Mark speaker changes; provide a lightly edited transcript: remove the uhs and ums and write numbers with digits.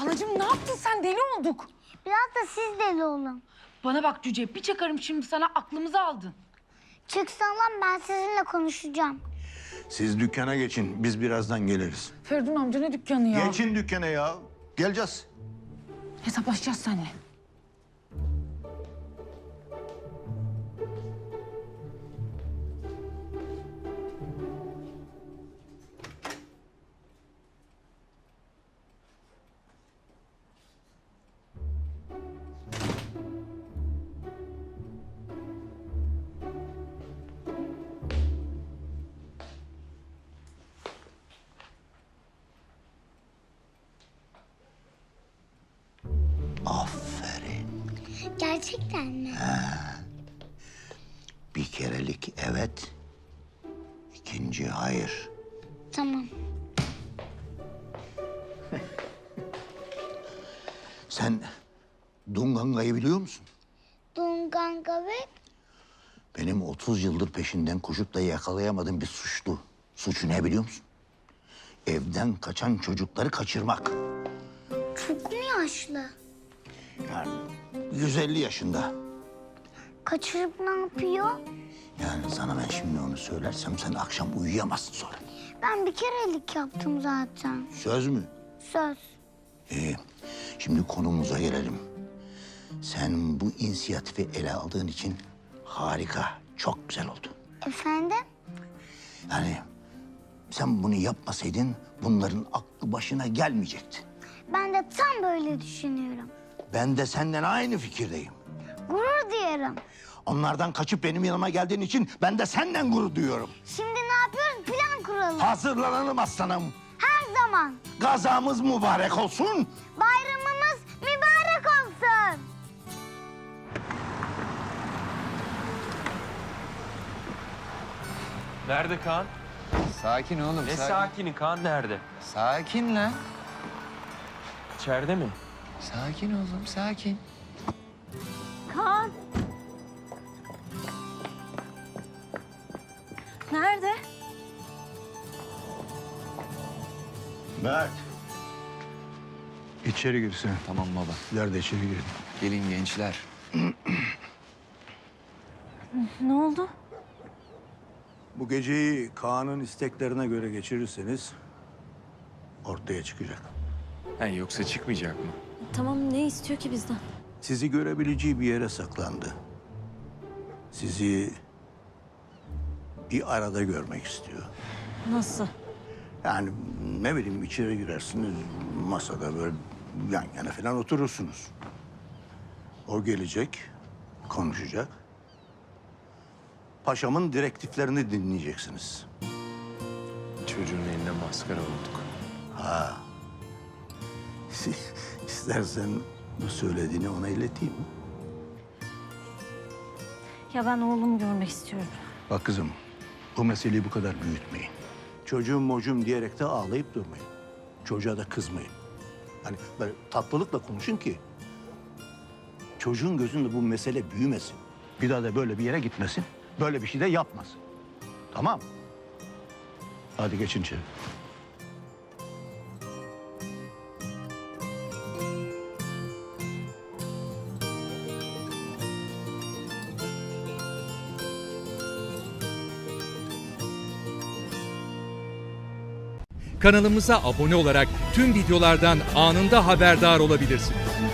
Speaker 1: Halacığım ne yaptın sen? Deli olduk.
Speaker 2: Biraz da siz deli olun.
Speaker 1: Bana bak Cüce, bir çakarım şimdi sana, aklımızı aldın.
Speaker 2: Çıksan lan, ben sizinle konuşacağım.
Speaker 3: Siz dükkana geçin. Biz birazdan geliriz.
Speaker 1: Feridun amca ne dükkanı ya?
Speaker 3: Geçin dükkana ya. Geleceğiz.
Speaker 1: Hesaplaşacağız seninle.
Speaker 3: Aferin.
Speaker 2: Gerçekten mi?
Speaker 3: Bir kerelik evet. İkinci hayır.
Speaker 2: Tamam.
Speaker 3: Sen Dunganga'yı biliyor musun?
Speaker 2: Dunganga ve
Speaker 3: Benim 30 yıldır peşinden koşup da yakalayamadığım bir suçlu. Suçu ne biliyor musun? Evden kaçan çocukları kaçırmak.
Speaker 2: çok mu yaşlı?
Speaker 3: Yani 150 yaşında.
Speaker 2: Kaçırıp ne yapıyor?
Speaker 3: Yani sana ben şimdi onu söylersem sen akşam uyuyamazsın sonra.
Speaker 2: Ben bir kerelik yaptım zaten.
Speaker 3: Söz mü?
Speaker 2: Söz.
Speaker 3: İyi. Şimdi konumuza gelelim. Sen bu inisiyatifi ele aldığın için harika, çok güzel oldu.
Speaker 2: Efendim?
Speaker 3: Yani sen bunu yapmasaydın bunların aklı başına gelmeyecekti.
Speaker 2: Ben de tam böyle düşünüyorum.
Speaker 3: Ben de senden aynı fikirdeyim.
Speaker 2: Gurur duyarım.
Speaker 3: Onlardan kaçıp benim yanıma geldiğin için ben de senden gurur duyuyorum.
Speaker 2: Şimdi ne yapıyoruz? Plan kuralım.
Speaker 3: Hazırlanalım aslanım.
Speaker 2: Her zaman.
Speaker 3: Gazamız mübarek olsun.
Speaker 2: Bayramımız mübarek olsun.
Speaker 4: Nerede Kaan?
Speaker 5: Sakin oğlum,
Speaker 4: Ne
Speaker 5: sakin.
Speaker 4: sakini, Kaan nerede?
Speaker 5: Sakin lan.
Speaker 4: İçeride mi?
Speaker 5: Sakin oğlum, sakin.
Speaker 6: Kaan. Nerede?
Speaker 3: Mert. İçeri girsin.
Speaker 5: Tamam baba.
Speaker 3: Sizler de içeri girin.
Speaker 5: Gelin gençler.
Speaker 6: Ne oldu?
Speaker 3: Bu geceyi Kaan'ın isteklerine göre geçirirseniz ortaya çıkacak.
Speaker 5: Ha, yoksa çıkmayacak mı?
Speaker 6: Tamam, ne istiyor ki bizden?
Speaker 3: Sizi görebileceği bir yere saklandı. Sizi bir arada görmek istiyor.
Speaker 6: Nasıl?
Speaker 3: Yani ne bileyim içeri girersiniz masada böyle yan yana falan oturursunuz. O gelecek, konuşacak. Paşamın direktiflerini dinleyeceksiniz.
Speaker 4: Çocuğun eline maskara olduk.
Speaker 3: İstersen bu söylediğini ona ileteyim mi?
Speaker 6: Ya ben oğlumu görmek istiyorum.
Speaker 3: Bak kızım, bu meseleyi bu kadar büyütmeyin. Çocuğum mocum diyerek de ağlayıp durmayın. Çocuğa da kızmayın. Hani böyle tatlılıkla konuşun ki çocuğun gözünde bu mesele büyümesin. Bir daha da böyle bir yere gitmesin. Böyle bir şey de yapmasın. Tamam. Hadi geçin içeri.
Speaker 7: Kanalımıza abone olarak tüm videolardan anında haberdar olabilirsiniz.